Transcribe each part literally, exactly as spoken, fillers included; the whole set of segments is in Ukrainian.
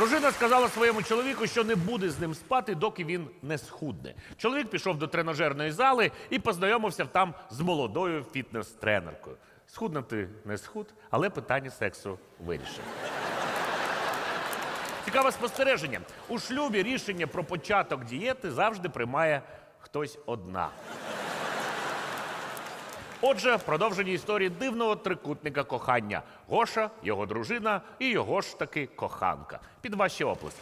Дружина сказала своєму чоловіку, що не буде з ним спати, доки він не схудне. Чоловік пішов до тренажерної зали і познайомився там з молодою фітнес-тренеркою. Схуднути не схуд, але питання сексу вирішив. Цікаве спостереження. У шлюбі рішення про початок дієти завжди приймає хтось одна. Отже, в продовженні історії дивного трикутника кохання. Гоша, його дружина і його ж таки коханка. Під ваші оплески.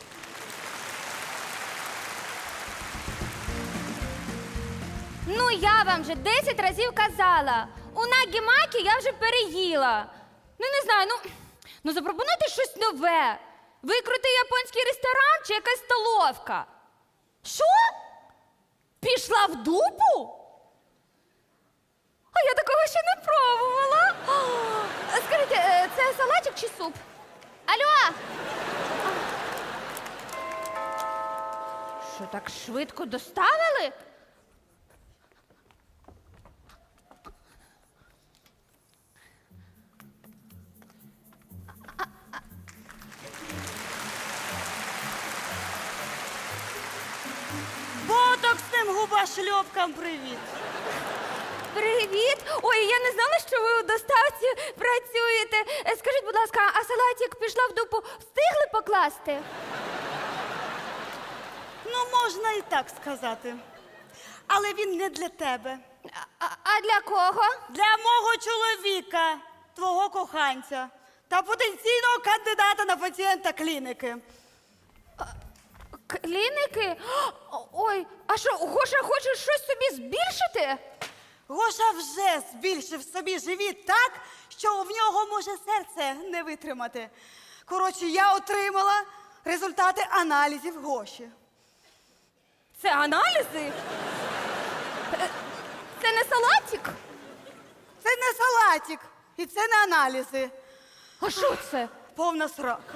Ну, я вам вже десять разів казала. У нагі-макі я вже переїла. Ну, не знаю, ну, ну запропонуйте щось нове. Викрути японський ресторан чи якась столовка. Що? Пішла в дупу? А я такого ще не пробувала. О, скажіть, е, це салатик чи суп? Алло! Що, так швидко доставили? Ботоксним губошльопкам привіт. Привіт! Ой, я не знала, що ви у доставці працюєте. Е, Скажіть, будь ласка, а салатик пішла в дупу встигли покласти? Ну, можна і так сказати. Але він не для тебе. А, а для кого? Для мого чоловіка, твого коханця та потенційного кандидата на пацієнта клініки. Кліники? О, Ой, а що, Гоша хоче щось собі збільшити? Гоша вже збільшив собі живіт так, що в нього може серце не витримати. Коротше, я отримала результати аналізів Гоші. Це аналізи? Е, Це не салатик? Це не салатик і це не аналізи. А що це? Повна срака.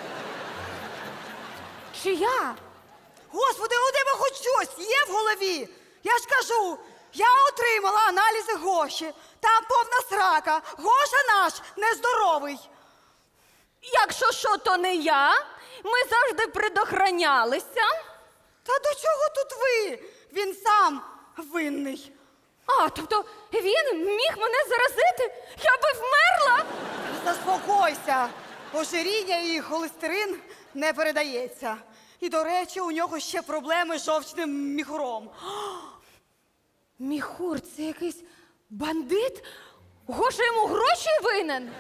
Чия? Господи, у тебе хоч щось є в голові? Я ж кажу, я отримала аналізи Гоші. Там повна срака. Гоша наш нездоровий. Якщо що, то не я. Ми завжди предохранялися. Та до чого тут ви? Він сам винний. А, тобто він міг мене заразити? Я би вмерла? Заспокойся. Ожиріння і холестерин не передається. І, до речі, у нього ще проблеми з жовчним міхуром. Міхур, це якийсь бандит? Гоша йому гроші винен?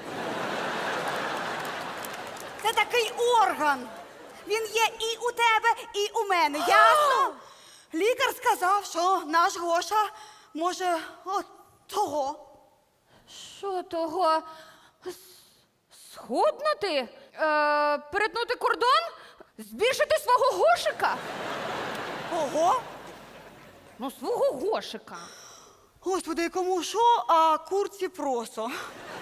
Це такий орган. Він є і у тебе, і у мене. Ясно? Лікар сказав, що наш Гоша може от того. Що того? С- Схуднути? Е, перетнути кордон? Збільшити свого Гошика? Ого. Ну, свого Гошика. Господи, кому що, а курці просо.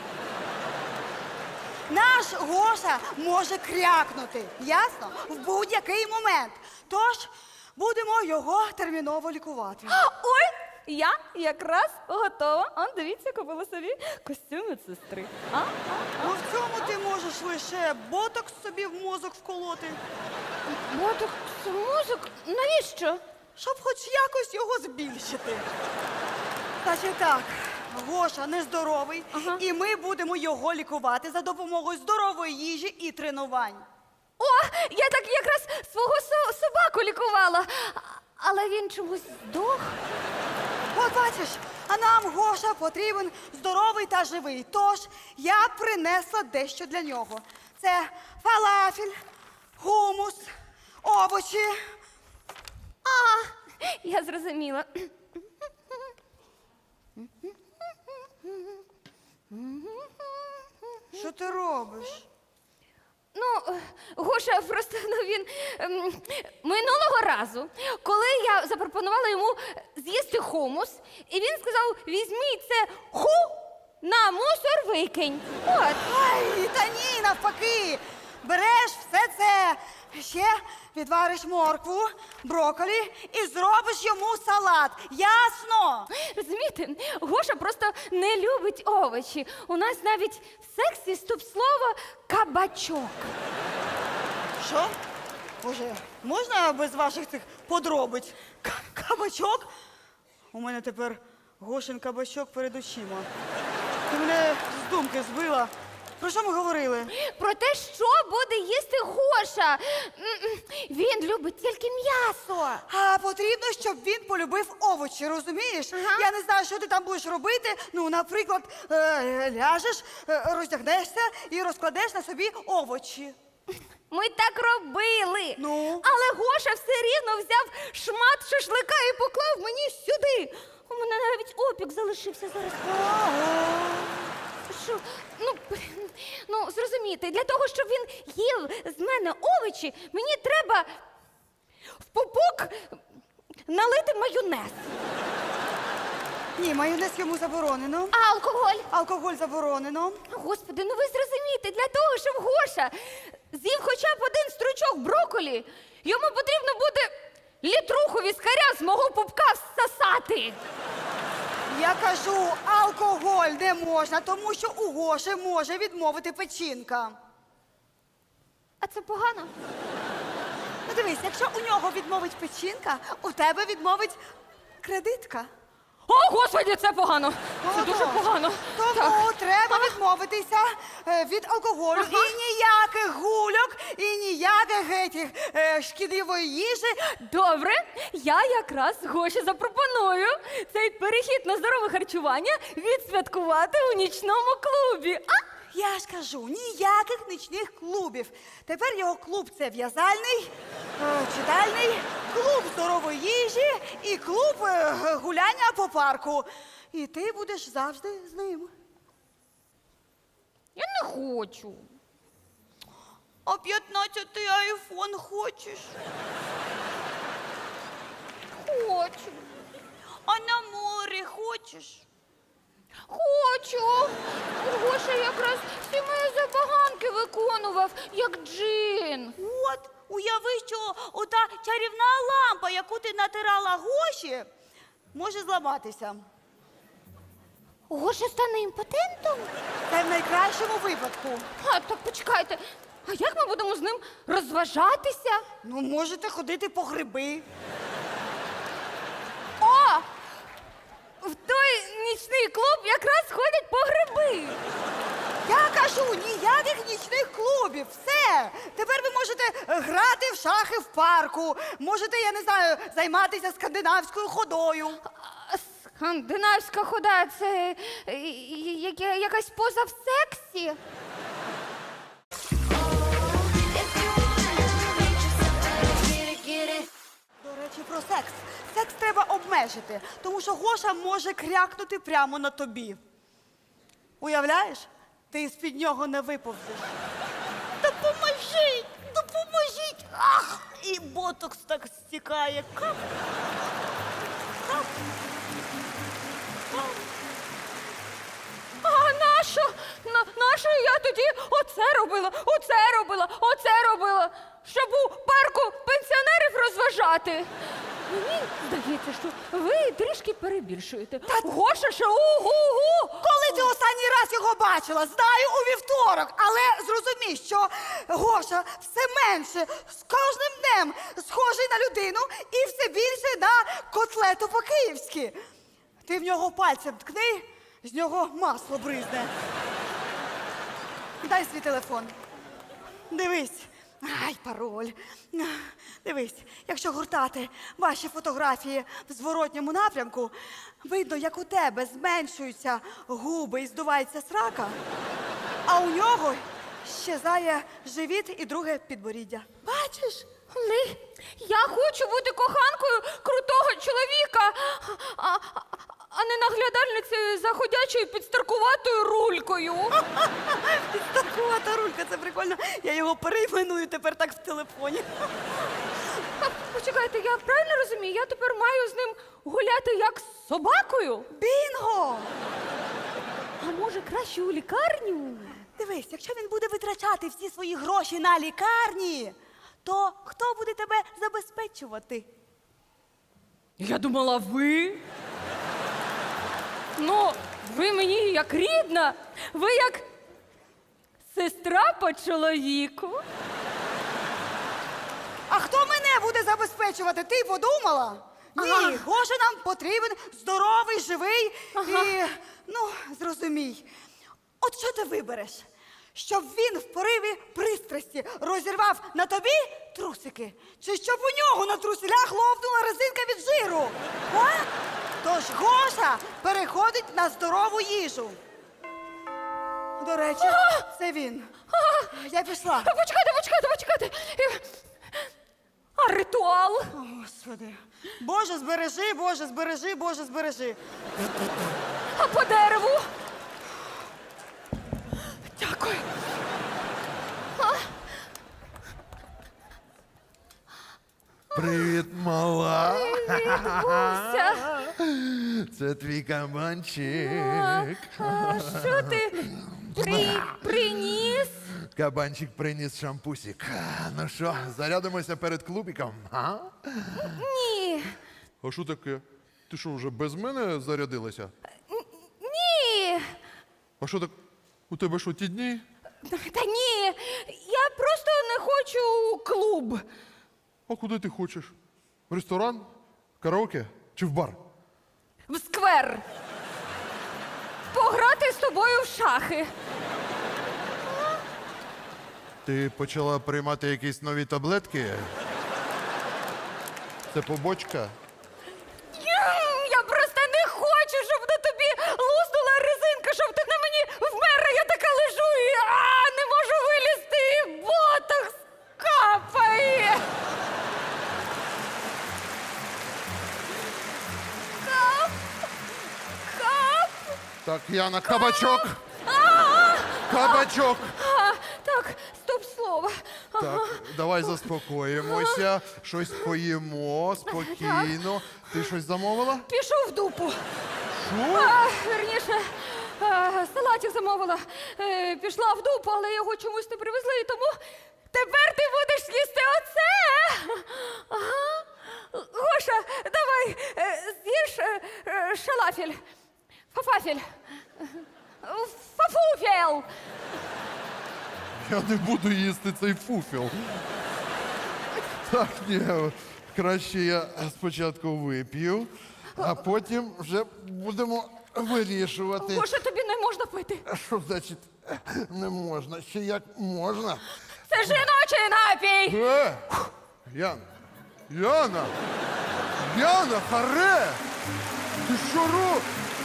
Наш Гоша може крякнути, ясно? В будь-який момент. Тож будемо його терміново лікувати. Ой, я якраз готова. Он, дивіться, купила собі костюм медсестри. А? Ну в цьому ти можеш лише ботокс собі в мозок вколоти, Ботокс, мозок? Навіщо? щоб хоч якось його збільшити. Значить так, Гоша нездоровий, Ага. і ми будемо його лікувати за допомогою здорової їжі і тренувань. О, я так якраз свого со- собаку лікувала. А- Але він чомусь здох. От бачиш, а нам Гоша потрібен здоровий та живий. Тож я принесла дещо для нього. Це фалафель, хумус, овочі. А, я зрозуміла. Що ти робиш? Ну, е, Гоша просто ну, він ем, минулого разу, коли я запропонувала йому з'їсти хумус, і він сказав: візьміть це ху на мусор викинь. От. Ай, та ні, навпаки. Береш все це, ще відвариш моркву, брокколі і зробиш йому салат. Ясно? Розумієте, Гоша просто не любить овочі. У нас навіть в сексі стоп-слово кабачок. Що? Боже, можна без ваших цих подробиць? К- Кабачок? У мене тепер Гошин кабачок перед очима. Ти мене з думки збила. Про що ми говорили? Про те, що буде їсти Гоша. М-м, Він любить тільки м'ясо. А потрібно, щоб він полюбив овочі, розумієш? Ага. Я не знаю, що ти там будеш робити. Ну, наприклад, е, ляжеш, е, роздягнешся і розкладеш на собі овочі. Ми так робили. Ну? Але Гоша все рівно взяв шмат шашлика і поклав мені сюди. У мене навіть опік залишився зараз. Що? Ну, ну, зрозумійте, для того, щоб він їв з мене овочі, мені треба в пупок налити майонез. Ні, майонез йому заборонено. А алкоголь? Алкоголь заборонено. Господи, ну ви зрозумієте, для того, щоб Гоша з'їв хоча б один стручок брокколі, йому потрібно буде літруху віскаря з мого пупка всосати. Я кажу, алкоголь не можна, тому що у Гоші може відмовити печінка. А це погано? Ну дивись, якщо у нього відмовить печінка, у тебе відмовить кредитка. О, Господи, це погано. Це дуже Отож. погано. Тому Так. треба відмовитися е, від алкоголю. Ага. І ніяких гульок, і ніяких етіх, е, шкідливої їжі. Добре, я якраз Гоші запропоную цей перехід на здорове харчування відсвяткувати у нічному клубі. А? Я ж кажу, ніяких нічних клубів. Тепер його клуб це в'язальний, е, читальний, клуб здорової їжі і клуб е, гуляння по парку. І ти будеш завжди з ним. Я не хочу. А п'ятнадцятий айфон хочеш? Хочу. А на море хочеш? Хочу. Гоша якраз всі мої забаганки виконував, як джин. От, уяви, що ота чарівна лампа, яку ти натирала Гоші, може зламатися. Гоша стане імпотентом? Це в найкращому випадку. А, так почекайте. А як ми будемо з ним розважатися? Ну, можете ходити по гриби. О! В той нічний клуб якраз ходять по гриби. Я кажу, ніяких нічних клубів. Все. Тепер ви можете е, грати в шахи в парку. Можете, я не знаю, займатися скандинавською ходою. А, Скандинавська хода це е, я- якась поза в сексі. До речі, про секс. Секс треба обмежити, тому що Гоша може крякнути прямо на тобі. Уявляєш? Ти з-під нього не виповзеш. Допоможіть! Допоможіть! Ах! І ботокс так стікає. Кап! Кап! Кап! А нащо? На, нащо я тоді оце робила, оце робила, оце робила, щоб у парку пенсіонерів розважати? Мені здається, що ви трішки перебільшуєте. Гоша ще угу-гу! Коли ти останній раз його бачила? Знаю, у вівторок. Але зрозумій, що Гоша все менше з кожним днем схожий на людину і все більше на котлету по-київськи. Ти в нього пальцем ткни, з нього масло бризне. Дай свій телефон. Дивись. Ай, пароль. Дивись, якщо гуртати ваші фотографії в зворотньому напрямку, видно, як у тебе зменшуються губи і здувається срака, а у нього щезає живіт і друге підборіддя. Бачиш? Але я хочу бути коханкою крутого чоловіка, а, а, а не наглядальницею за ходячою підстаркуватою рулькою. Підстаркувата рулька, це прикольно. Я його перейменую тепер так в телефоні. А, почекайте, я правильно розумію? Я тепер маю з ним гуляти як з собакою? Бінго! А може краще у лікарню? Дивись, якщо він буде витрачати всі свої гроші на лікарні, то хто буде тебе забезпечувати? Я думала, ви. Ну, ви мені як рідна, ви як сестра по чоловіку. забезпечувати, ти подумала? Ні, Гоша нам потрібен здоровий, живий і, ну, зрозумій. От що ти вибереш? Щоб він в пориві пристрасті розірвав на тобі трусики? Чи щоб у нього на труселях ловнула резинка від жиру? А? Тож Гоша переходить на здорову їжу. До речі, це він. Я пішла. Почекайте, почекайте, почекайте. А ритуал? О, Господи. Боже, збережи, Боже, збережи, Боже, збережи. А по дереву? Дякую. Привіт, мала. Привіт, Буся. Це твій кабанчик. А що ти при... приніс? Кабанчик приніс шампусик. Ну що, зарядимося перед клубіком? А? Ні. А що таке? Ти що, вже без мене зарядилася? Ні. А що так? У тебе що, ті дні? Та ні. Я просто не хочу у клуб. А куди ти хочеш? В ресторан? Караоке? Чи в бар? В сквер. Пограти з тобою в шахи. Ти почала приймати якісь нові таблетки? Це побочка? Я просто не хочу, щоб на тобі луснула резинка, щоб ти на мені вмерла. Я така лежу і а, не можу вилізти. І ботокс капає. Кап. Кап. Так, Яна, кабачок! Кабачок! А, так, стоп слово. Так, давай заспокоїмося, щось поїмо спокійно. Ти щось замовила? Пішов в дупу. Що? А, верніше, а, салатик замовила. Е, пішла в дупу, але його чомусь не привезли, і тому тепер ти будеш їсти оце. Ага. Гоша, давай, е, з'їж е, е, шалафель. Фафафель. Фафуфел. Я не буду їсти цей фуфіл. Так, ні, краще я спочатку вип'ю, а потім вже будемо вирішувати. Гоша, тобі не можна пити. А що значить не можна? Ще як можна? Це жіночий напій. Е! Яна! Яна! Яна, харе! Ти що робиш?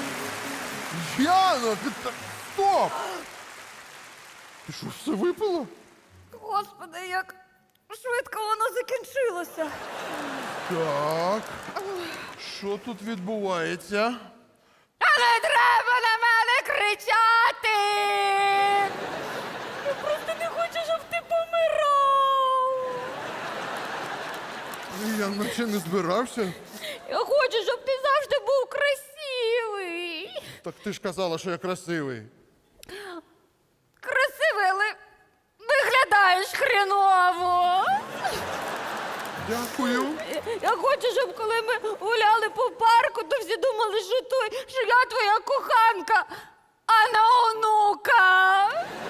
Яна, ти так... Стоп! Ти що, все випила? Господи, як швидко воно закінчилося. Так. Що тут відбувається? А не треба на мене кричати! Я просто не хочу, щоб ти помирав. Я наче не збирався. Я хочу, щоб ти завжди був красивий. Так ти ж казала, що я красивий. Красивий, але виглядаєш хреново. Дякую. Я хочу, щоб коли ми гуляли по парку, то всі думали, що той, що я твоя коханка, а не онука.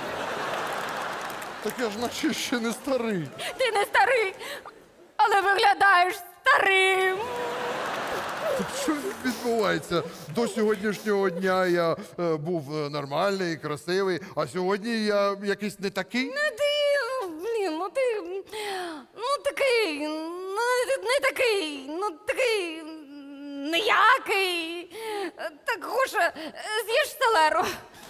Так я ж наче ще не старий. Ти не старий, але виглядаєш старим. Так що відбувається? До сьогоднішнього дня я е, був е, нормальний, красивий, а сьогодні я якийсь не такий. Ну ти, блін, ну ти, ну такий, ну не, не такий, ну такий ніякий. Так, Гоша, з'їж селеру.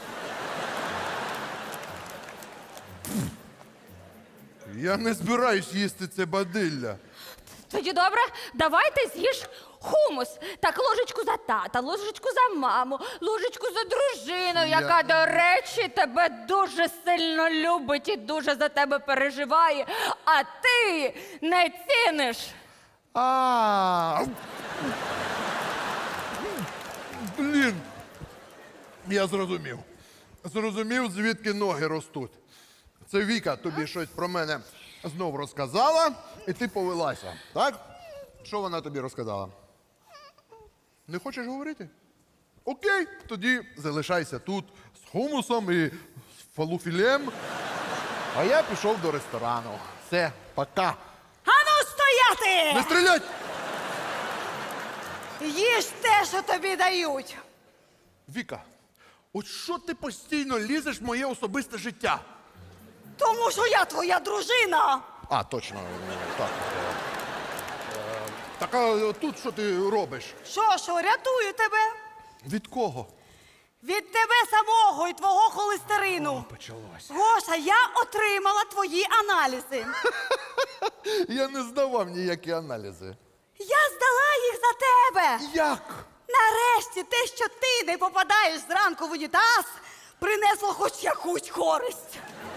Я не збираюсь їсти це бадилля. Тоді добре, давайте з'їж хумус. Так, ложечку за тата, ложечку за маму, ложечку за дружину, Я- яка, до речі, тебе дуже сильно любить і дуже за тебе переживає, а ти не ціниш. А. Блін. Я зрозумів. Зрозумів, звідки ноги ростуть. Це Віка тобі щось про мене знов розказала, і ти повелася, так? Що вона тобі розказала? Не хочеш говорити? Окей, тоді залишайся тут з хумусом і з фалуфілем. А я пішов до ресторану. Все, пока. Ану стояти! Доти! Не стрілять! Їж те, що тобі дають. Віка, от що ти постійно лізеш в моє особисте життя? Тому що я твоя дружина. А, точно, ну, так. Е, е, Так, а тут що ти робиш? Що, що, рятую тебе? Від кого? Від тебе самого і твого холестерину. Почалось. Гоша, я отримала твої аналізи. Я не здавав ніякі аналізи. Я здала їх за тебе. Як? Нарешті те, що ти не попадаєш зранку в унітаз, принесло хоч якусь користь.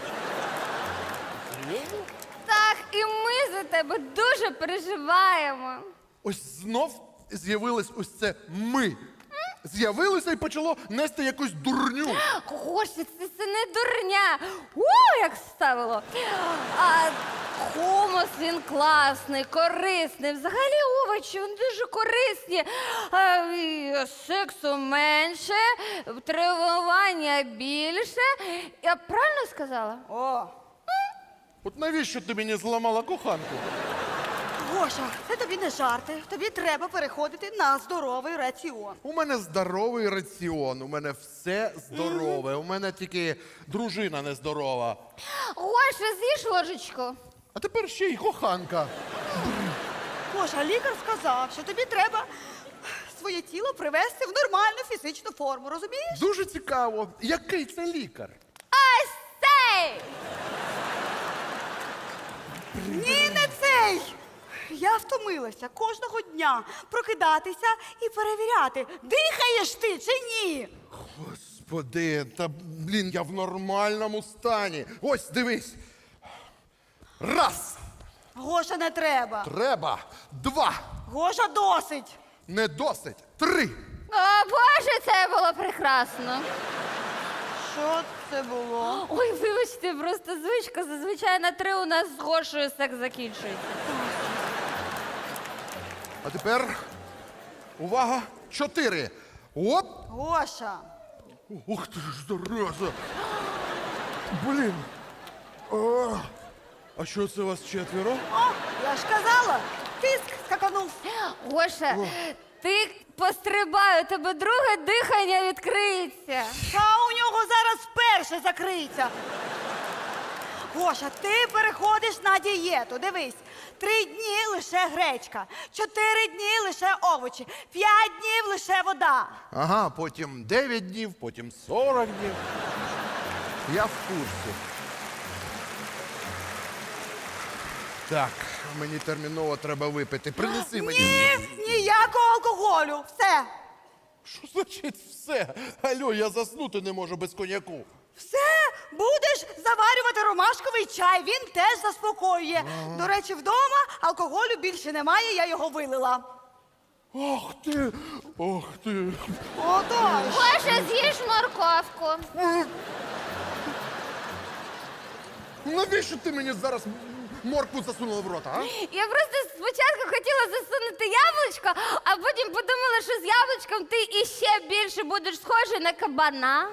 Так, і ми за тебе дуже переживаємо. Ось знов з'явилось ось це ми. З'явилося і почало нести якусь дурню. Гош, це, це не дурня. У, як ставило. А хумус, він класний, корисний. Взагалі овочі, вони дуже корисні. А, і сексу менше, тренування більше. Я правильно сказала? О, От навіщо ти мені зламала коханку? Гоша, це тобі не жарти. Тобі треба переходити на здоровий раціон. У мене здоровий раціон, у мене все здорове. У мене тільки дружина нездорова. Гоша, з'їж ложечку. А тепер ще й коханка. Гоша, лікар сказав, що тобі треба своє тіло привести в нормальну фізичну форму, розумієш? Дуже цікаво, який це лікар? Ось цей! Ні, не цей! Я втомилася кожного дня прокидатися і перевіряти, дихаєш ти чи ні. Господи, та блін, я в нормальному стані. Ось, дивись. Раз. Гоша, не треба. Треба. Два. Гоша, досить. Не досить. Три. О, Боже, це було прекрасно. Що це було? Ой, вибачте, просто звичка. Зазвичай на три у нас з Гошею секс закінчується. А тепер. Увага. Чотири. Оп. Гоша. Ух ти ж, зараза. Блін. О, а що це вас четверо? О, я ж казала, тиск скаканув. Гоша, ти пострибай, у тебе друге дихання відкриється. А у нього зараз перше закриється. Гоша, ти переходиш на дієту. Дивись, три дні лише гречка, чотири дні лише овочі, п'ять днів лише вода. Ага, потім дев'ять днів, потім сорок днів. Я в курсі. Так, мені терміново треба випити. Принеси мені. Ні, ніякого алкоголю. Все. Що значить все? Алло, я заснути не можу без коньяку. Все, будеш заварювати ромашковий чай, він теж заспокоює. До речі, вдома алкоголю більше немає, я його вилила. Ох ти, ох ти. Отож. Гоша, з'їж морковку. Навіщо ти мені зараз моркву засунула в рота, а? Я просто спочатку хотіла засунути яблучко, а потім подумала, що з яблучком ти іще більше будеш схожий на кабана.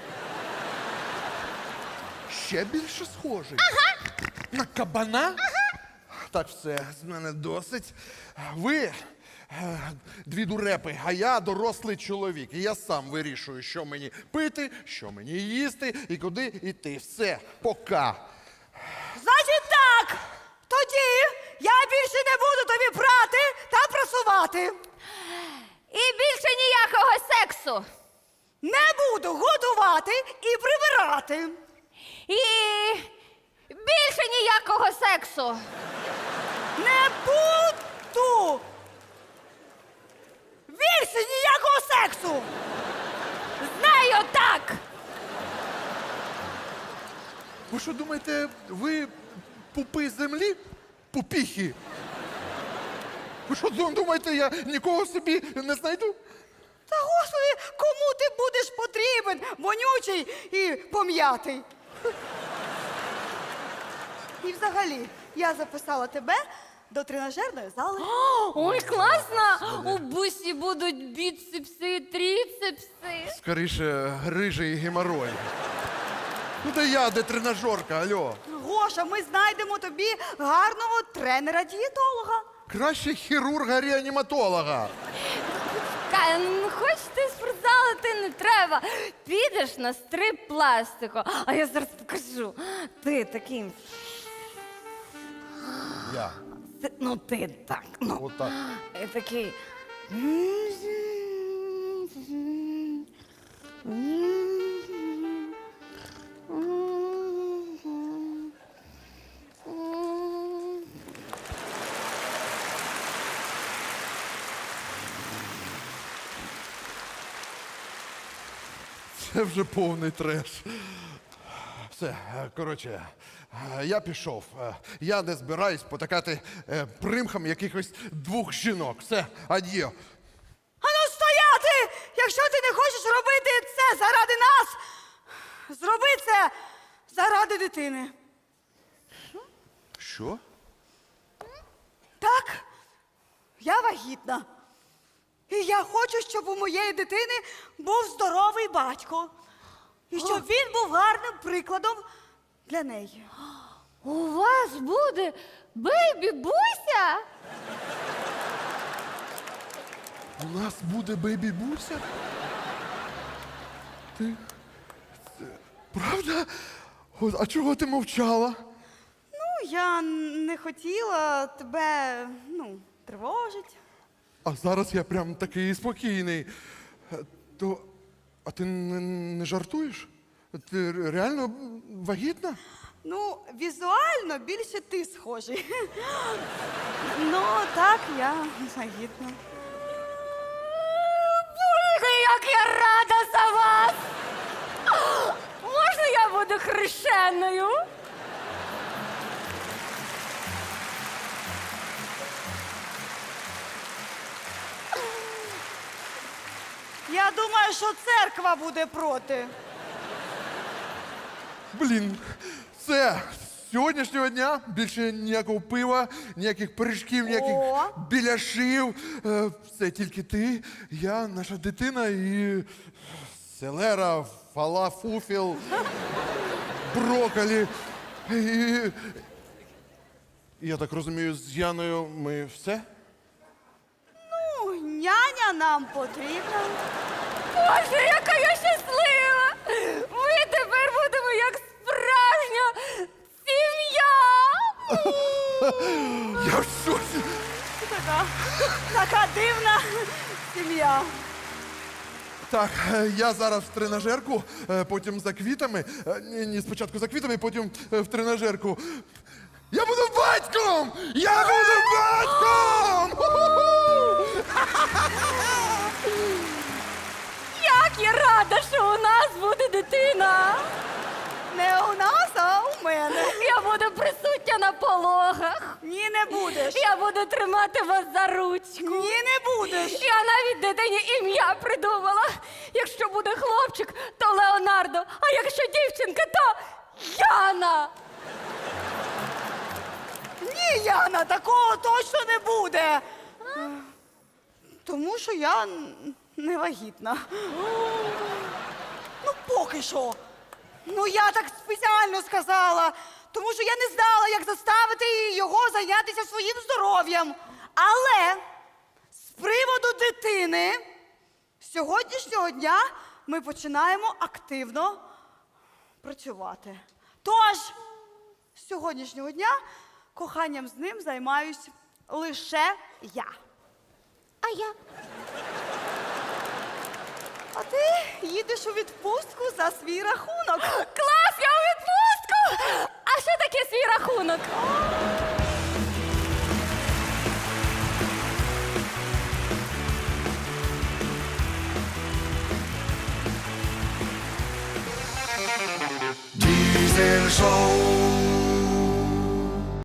Ще більше схожий. Ага. На кабана? Ага. Так, все, з мене досить. Ви е, дві дурепи, а я дорослий чоловік. І я сам вирішую, що мені пити, що мені їсти і куди йти. Все, пока. Значить так, тоді я більше не буду тобі прати та прасувати. І більше ніякого сексу. Не буду годувати і прибирати. І більше ніякого сексу. Не буду. Більше ніякого сексу. Знаю так. Ви що думаєте, ви пупи землі? Пупіхи? Ви що думаєте, я нікого собі не знайду? Та господи, кому ти будеш потрібен, вонючий і пом'ятий? І взагалі, я записала тебе до тренажерної зали. Ой, класно! У бусі будуть біцепси і тріцепси. Скоріше, грижий геморой. Ну де я, де тренажерка, алло. Гоша, ми знайдемо тобі гарного тренера-дієтолога. Краще хірурга-реаніматолога. Кай, ну хочете спортзал, ти не треба. Підеш на стрип пластику. А я зараз покажу. Ти такий. Я. Ти- ну ти так. Ну. Отак. І такий. Це вже повний треш. Все, е, коротше, е, я пішов. Е, Я не збираюсь потакати е, примхам якихось двох жінок. Все, ад'є. Ану стояти! Якщо ти не хочеш робити це заради нас, зроби це заради дитини. Що? Так, я вагітна. І я хочу, щоб у моєї дитини був здоровий батько. І щоб він був гарним прикладом для неї. У вас буде бейбі-буся? У нас буде бейбі-буся? Ти. Це... Правда? От, а чого ти мовчала? Ну, я не хотіла тебе, ну, тривожити. А зараз я прям такий спокійний. Е, То. А ти не, не жартуєш? Ти ре- реально вагітна? Ну, візуально більше ти схожий. Ну, так, я вагітна. Боже, як я рада за вас! Можна я буду хрещеною? Я думаю, що церква буде проти. Блін, все. З сьогоднішнього дня більше ніякого пива, ніяких пиріжків, ніяких О. біляшів. Е, Все тільки ти, я, наша дитина і селера, фалафуфіл, брокколі. І... Я так розумію, з Яною ми все? Ну, няня нам потрібна. Боже, яка я щаслива! Ми тепер будемо як справжня сім'я! Я в шоці! Така, така дивна сім'я. Так, е, я зараз в тренажерку, е, потім за квітами. Е, Ні, ні, спочатку за квітами, потім е, в тренажерку. Я буду батьком! Я буду батьком! Ху-ху-ху! Як я рада, що у нас буде дитина! Не у нас, а у мене. Я буду присутня на пологах. Ні, не будеш. Я буду тримати вас за ручку. Ні, не будеш. Я навіть дитині ім'я придумала. Якщо буде хлопчик, то Леонардо, а якщо дівчинка, то Яна. Ні, Яна, такого точно не буде. Тому що я н- не вагітна. Ну, поки що. Ну, я так спеціально сказала, тому що я не знала, як заставити його зайнятися своїм здоров'ям. Але з приводу дитини, з сьогоднішнього дня ми починаємо активно працювати. Тож, з сьогоднішнього дня коханням з ним займаюсь лише я. А я? А ти їдеш у відпустку за свій рахунок. Клас, я у відпустку! А що таке свій рахунок?